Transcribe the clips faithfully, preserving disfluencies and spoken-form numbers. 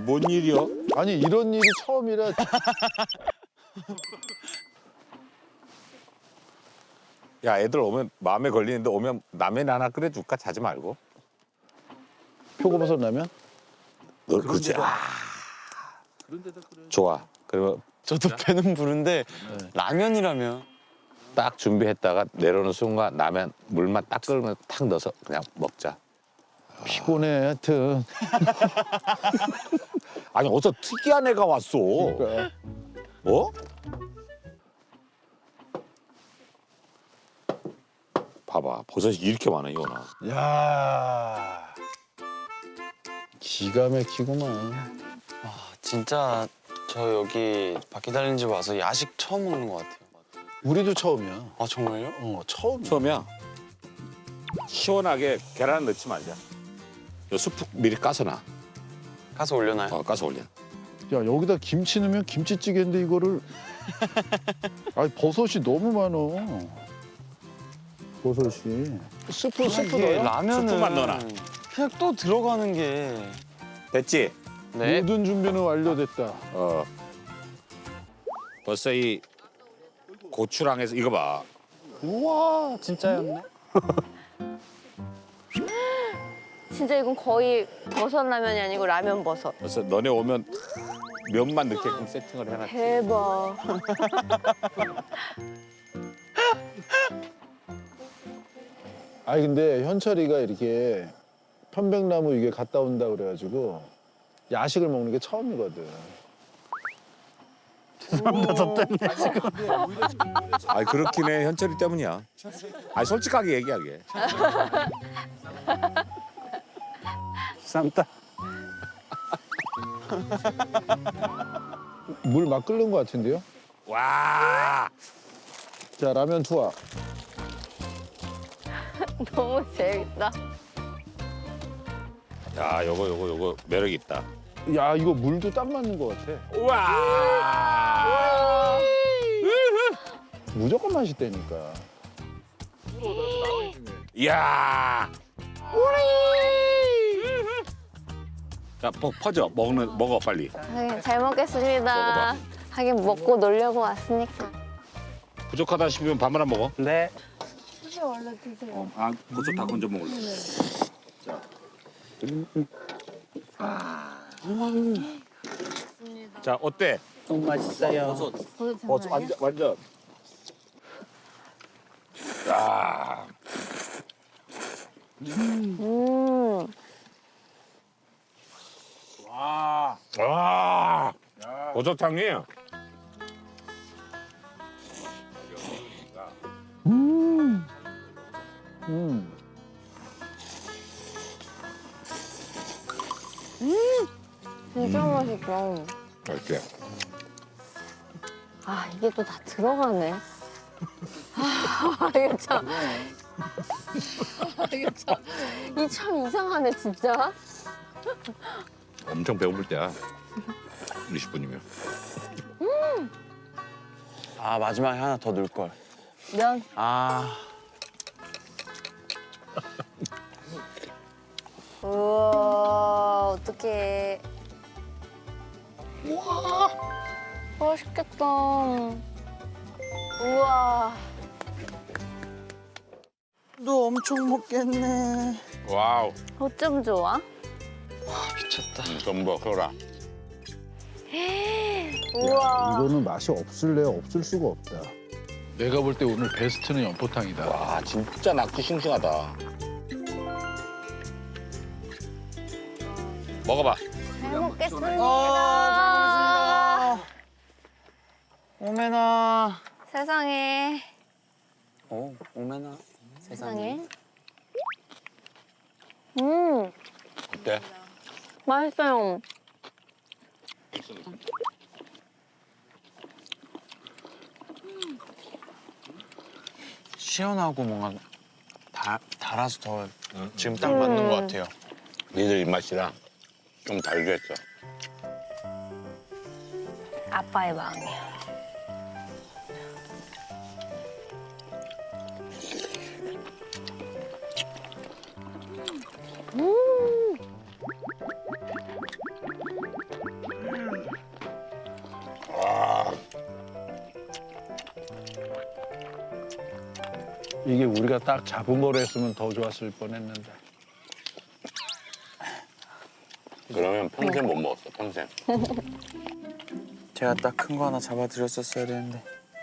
뭔 일이야? 아니 이런 일이 처음이라. 야, 애들 오면 마음에 걸리는데 오면 라면 하나 끓여줄까? 자지 말고. 표고버섯 라면? 너 그렇지. 아, 좋아. 그리고 저도 배는 부른데 네. 라면이라면 딱 준비했다가 내려오는 순간 라면 물만 딱 끓으면 탁 넣어서 그냥 먹자. 피곤해 하여튼. 아니 어디서 특이한 애가 왔어. 그러니까. 어? 봐봐 버섯이 이렇게 많아 이거나. 야 기가 막히구만. 와 진짜 저 여기 바퀴 달린 집 와서 야식 처음 먹는 것 같아요. 우리도 처음이야. 아 정말요? 어 처음. 처음이야. 시원하게 계란 넣지 말자. 요 수프 미리 까서 놔. 가서 올려놔요. 어, 까서 올려. 야 여기다 김치 넣으면 김치찌개인데 이거를. 아니 버섯이 너무 많어. 버섯이. 스프 스프 이게 넣어요? 라면은 스프만 넣어놔. 그냥 또 들어가는 게. 됐지? 네. 모든 준비는 완료됐다. 어. 벌써 이 고추랑해서 이거 봐. 우와 진짜였네. 진짜 이건 거의 버섯 라면이 아니고 라면 버섯. 벌써 너네 오면 면만 넣게끔 세팅을 해놨지. 대박. 아니 근데 현철이가 이렇게 편백나무 이게 갔다 온다 그래가지고 야식을 먹는 게 처음이거든. 아니 그렇긴 해. 현철이 때문이야. 아니 솔직하게 얘기하게. 쌈다. 물 막 끓는 것 같은데요? 와. 자 라면 투하. 너무 재밌다. 야, 요거 요거 요거 매력 있다. 야 이거 물도 딱 맞는 것 같아. 우와. 무조건 맛있다니까. 이야. 자, 퍼, 퍼져. 먹는 먹어 빨리. 하긴 잘 먹겠습니다. 먹어봐. 하긴 먹고 놀려고 왔으니까. 부족하다 싶으면 밥만 안 먹어. 네. 원래 드세요. 아, 버섯 다 건져 먹을래. 자. 아. 자, 어때? 너무 맛있어요. 어, 완전 완전. 야. 음. 와. 와. 버섯탕이. 음. 진짜 맛있다. 이렇게. 아 이게 또 다 들어가네. 아 이거 참. 아, 이거 참. 이 참 이상하네 진짜. 엄청 배고플 때야. 이십 분이면. 아 마지막에 하나 더 넣을 걸. 면. 아. 우와 어떡해. 우와 맛있겠다. 우와. 너 엄청 먹겠네. 와우. 어쩜 좋아? 미쳤다. 전부 그거라. 우와. 이거는 맛이 없을래 없을 수가 없다. 내가 볼 때 오늘 베스트는 연포탕이다. 와, 진짜 낙지 싱싱하다. 먹어봐. 잘 먹겠습니다. 아, 오메나. 세상에. 오, 오메나. 세상에. 세상에. 음 어때? 맛있어요. 시원하고 뭔가 달, 달아서 더 지금 딱 맞는 것 같아요. 니들 입맛이랑 좀 다르게 했어. 아빠의 마음이야. 음. 이게 우리가 딱 잡은 거로 했으면 더 좋았을 뻔했는데. 그러면 평생 못 먹었어, 평생. 제가 딱 큰 거 하나 잡아드렸었어야 되는데.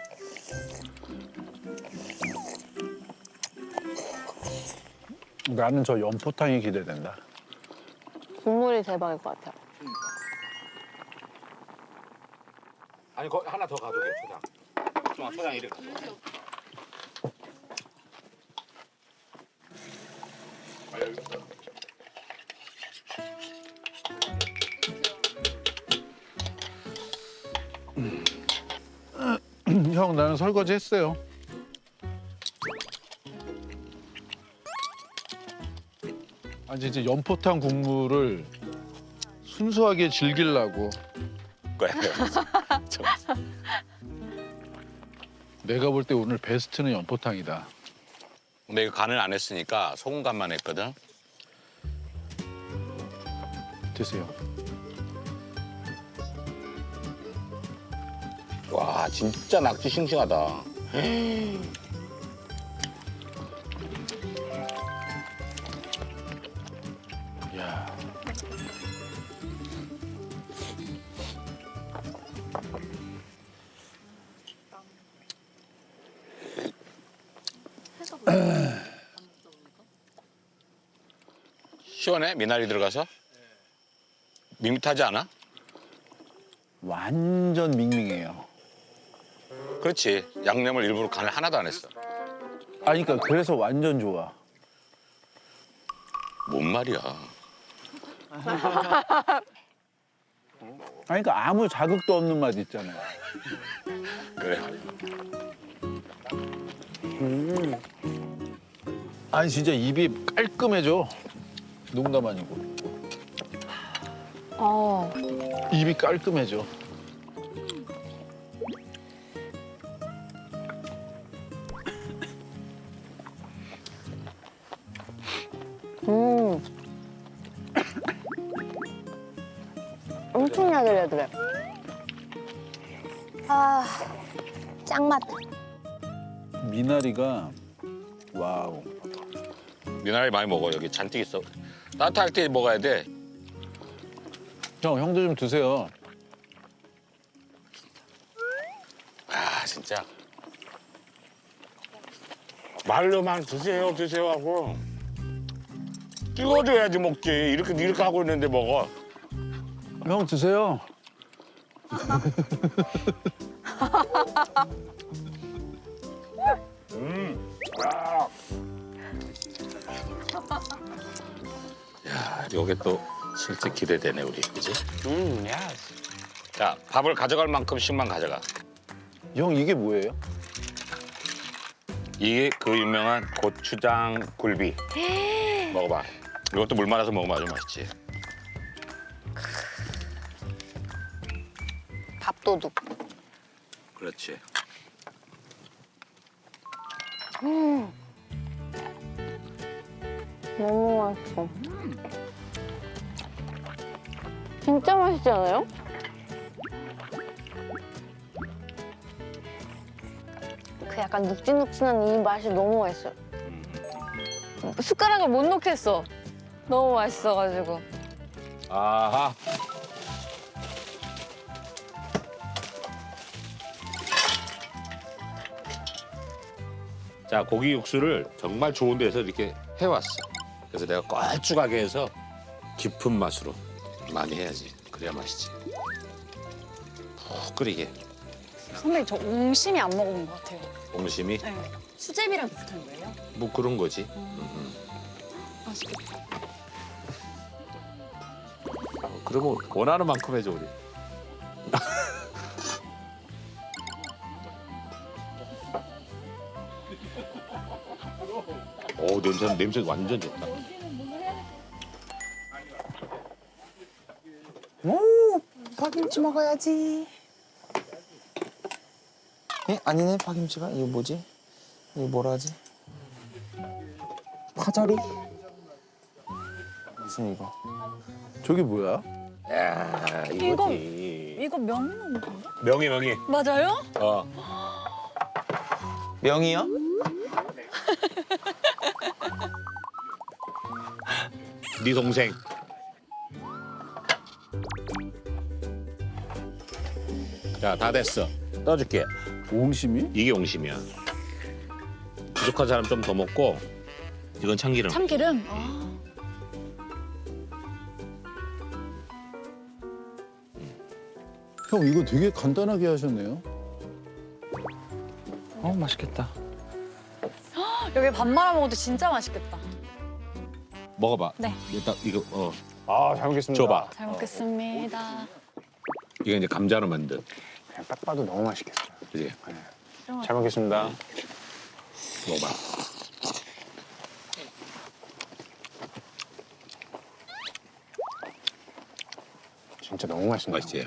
나는 저 연포탕이 기대된다. 국물이 대박일 것 같아요. 아니, 거 하나 더 가져게, 초장. 초장, 초장 이렇게 가져. 형, 나는 설거지 했어요. 아, 이제 연포탕 국물을 순수하게 즐기려고 거야. 내가 볼 때 오늘 베스트는 연포탕이다. 근데 이거 간을 안 했으니까 소금 간만 했거든. 드세요. 와, 진짜 낙지 싱싱하다. 야. 시원해? 미나리 들어가서? 밋밋하지 않아? 완전 밍밍해요. 그렇지. 양념을 일부러 간을 하나도 안 했어. 아니, 그러니까 그래서 완전 좋아. 뭔 말이야. 아니, 그러니까 아무 자극도 없는 맛 있잖아요. 그래. 아니, 진짜 입이 깔끔해져. 농담 아니고. 어, 입이 깔끔해져. 음. 엄청 야들야들해. 아, 짱맛. 미나리가 와우. 미나리 많이 먹어. 여기 잔뜩 있어. 따뜻할 때 먹어야 돼. 형, 형도 좀 드세요. 아, 진짜. 말로만 드세요, 드세요 하고. 찍어줘야지 먹지. 이렇게, 이렇게 하고 있는데 먹어. 형, 드세요. 음. 아. 야, 요게 또 실제 기대되네, 우리. 그지? 음, 야. 자, 밥을 가져갈 만큼씩만 가져가. 형, 이게 뭐예요? 이게 그 유명한 고추장 굴비. 먹어봐. 이것도 물 말아서 먹으면 아주 맛있지. 밥도둑. 그렇지. 음. 너무 맛있어. 진짜 맛있지 않아요? 그 약간 눅진눅진한 이 맛이 너무 맛있어요. 숟가락을 못 놓겠어. 너무 맛있어가지고. 아하. 자, 고기 육수를 정말 좋은 데서 이렇게 해왔어. 그래서 내가 걸쭉하게 해서 깊은 맛으로 많이 해야지. 그래야 맛있지. 푹 끓이게. 선배님 저 옹심이 안 먹어본 것 같아요. 옹심이 네. 수제비랑 비슷한 거예요? 뭐 그런 거지. 맛있겠다. 어, 그러면 원하는 만큼 해줘 우리. 오, 냄새 냄새 완전 좋다. 오, 파김치 먹어야지. 에? 아니네, 파김치가. 이거 뭐지? 이거 뭐라 하지? 파절이? 무슨 이거? 저게 뭐야? 야, 이거지. 이거 명은 건가? 명이 명이. 맞아요? 어. 명이요? 네 동생. 자, 다 됐어. 떠줄게. 옹심이? 이게 옹심이야. 부족한 사람 좀 더 먹고 이건 참기름. 참기름? 아. 형 이거 되게 간단하게 하셨네요. 어 맛있겠다. 여기 밥 말아 먹어도 진짜 맛있겠다. 먹어봐. 네. 일단 이거 어 아, 잘 먹겠습니다. 줘봐. 잘 먹겠습니다. 이게 이제 감자로 만든. 그냥 딱 봐도 너무 맛있겠어요. 그지? 잘 먹겠습니다. 먹어봐. 진짜 너무 맛있네요. 맛있지?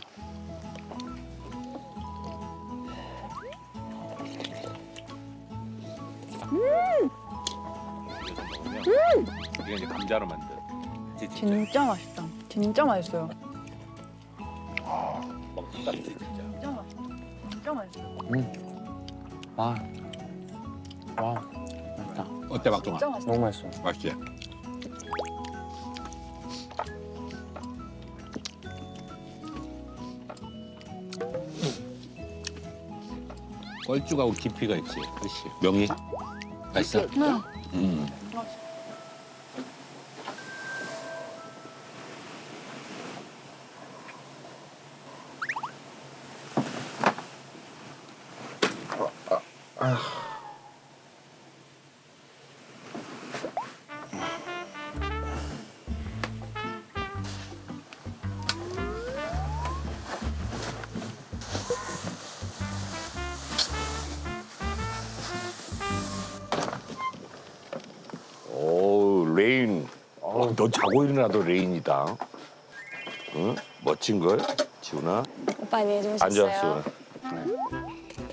음! 이게 이제 감자로 만든. 그치, 진짜. 진짜 맛있다. 진짜 맛있어요. 먹기 같아 진짜. 진짜 맛있어. 진짜 맛있어요. 와. 와. 맛있다. 어때 박종아? 진짜 맛있어. 너무 맛있어. 맛있지? 뻘쭉하고 깊이가 있지. 그렇지. 명이 맛있어? 응. 음. 오, 레인. 어, 너 자고 일어나도 레인이다. 응? 멋진 걸, 지훈아. 오빠 안녕히 앉아, 주무셨어요? 지훈아.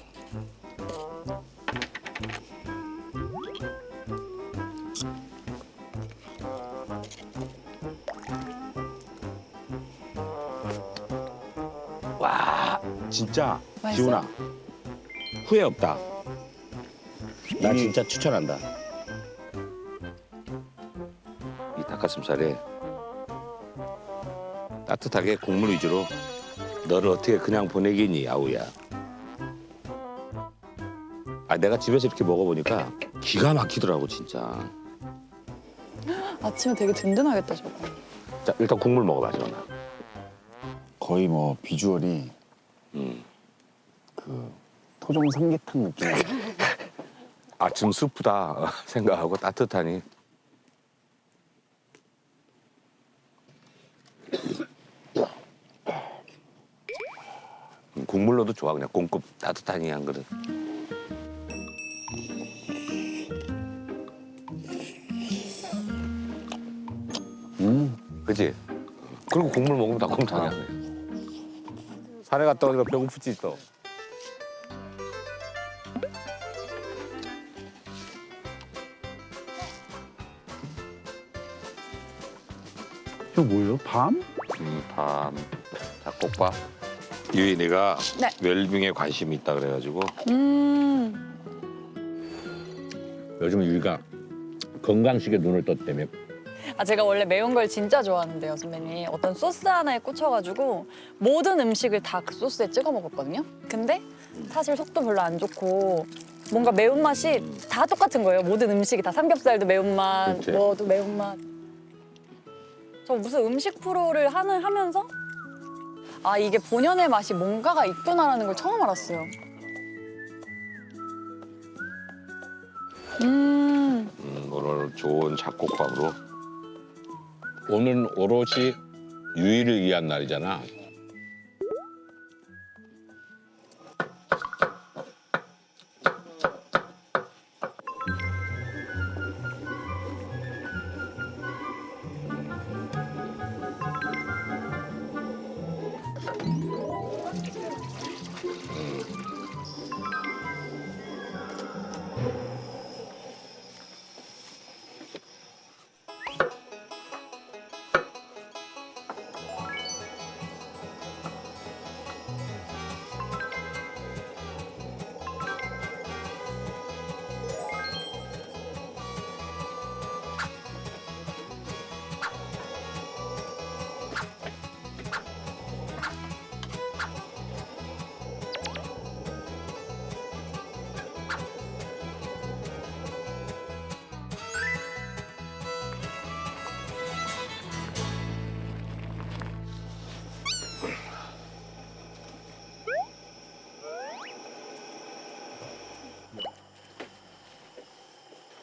와, 진짜 맛있어요? 지훈아. 후회 없다. 나 진짜 추천한다. 이 닭가슴살에 따뜻하게 국물 위주로 너를 어떻게 그냥 보내겠니, 아우야. 아, 내가 집에서 이렇게 먹어보니까 기가 막히더라고, 진짜. 아침에 되게 든든하겠다 저거. 자, 일단 국물 먹어봐, 지훈아. 거의 뭐 비주얼이 음. 그 토종 삼계탕 느낌. 아침 스프다 생각하고 따뜻하니. 음, 국물로도 좋아, 그냥 공급 따뜻하니 한 그릇. 음. 그치? 그리고 국물 먹으면 닭곰탕이야. 산에 갔다 오니까 배고프지 또. 이거 뭐예요? 밤? 음, 밤 잡곡밥. 유인이가 네. 웰빙에 관심이 있다 그래가지고 음. 요즘 유이가 건강식에 눈을 떴다며. 아 제가 원래 매운 걸 진짜 좋아하는데요, 선배님. 어떤 소스 하나에 꽂혀가지고 모든 음식을 다 그 소스에 찍어 먹었거든요. 근데 사실 속도 별로 안 좋고 뭔가 매운맛이 다 똑같은 거예요. 모든 음식이 다 삼겹살도 매운맛, 그치. 뭐도 매운맛. 저 무슨 음식 프로를 하는 하면서 아 이게 본연의 맛이 뭔가가 있구나라는 걸 처음 알았어요. 음. 음, 오늘 좋은 잡곡밥으로. 오늘은 오롯이 유이를 위한 날이잖아.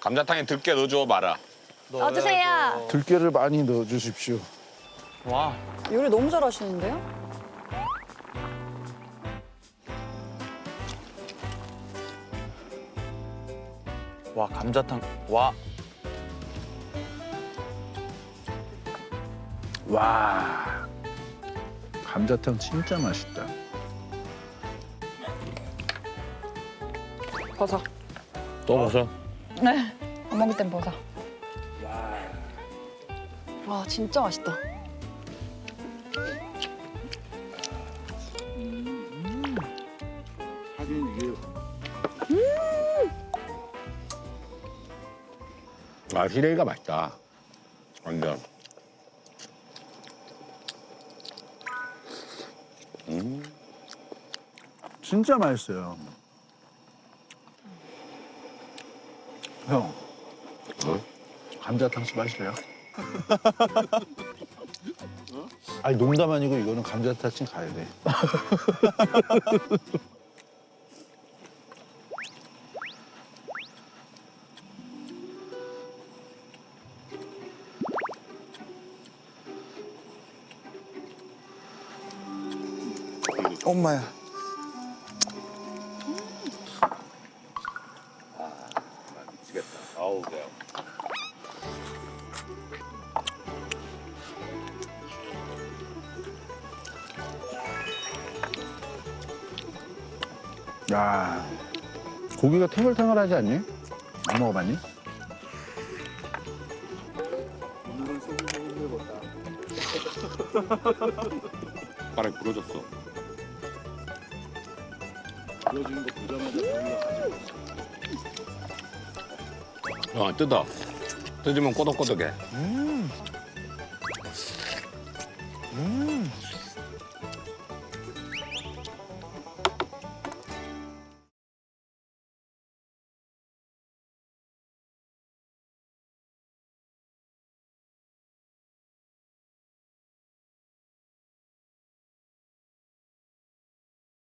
감자탕에 들깨 넣어줘 마라. 넣어주세요. 들깨를 많이 넣어주십시오. 와, 요리 너무 잘하시는데요? 와 감자탕. 와, 와, 감자탕 진짜 맛있다. 버섯. 또 벗어. 네. 안 먹을 땐 버섯. 와 진짜 맛있다. 하긴 이게 아 시래기가 맛있다. 완전. 진짜 맛있어요. 형, 어? 감자탕 씨 마실래요? 아니 농담 아니고 이거는 감자탕 씨 가야 돼. 엄마야. 미치겠다. 아우 그래. 야, 고기가 탱글탱글하지 않니? 안 먹어봤니? 바람이 부러졌어. 부러지는 거 보자마자 고기가 가지고 있어. 어 뜯어. 뜯으면 꼬덕꼬덕해. 음.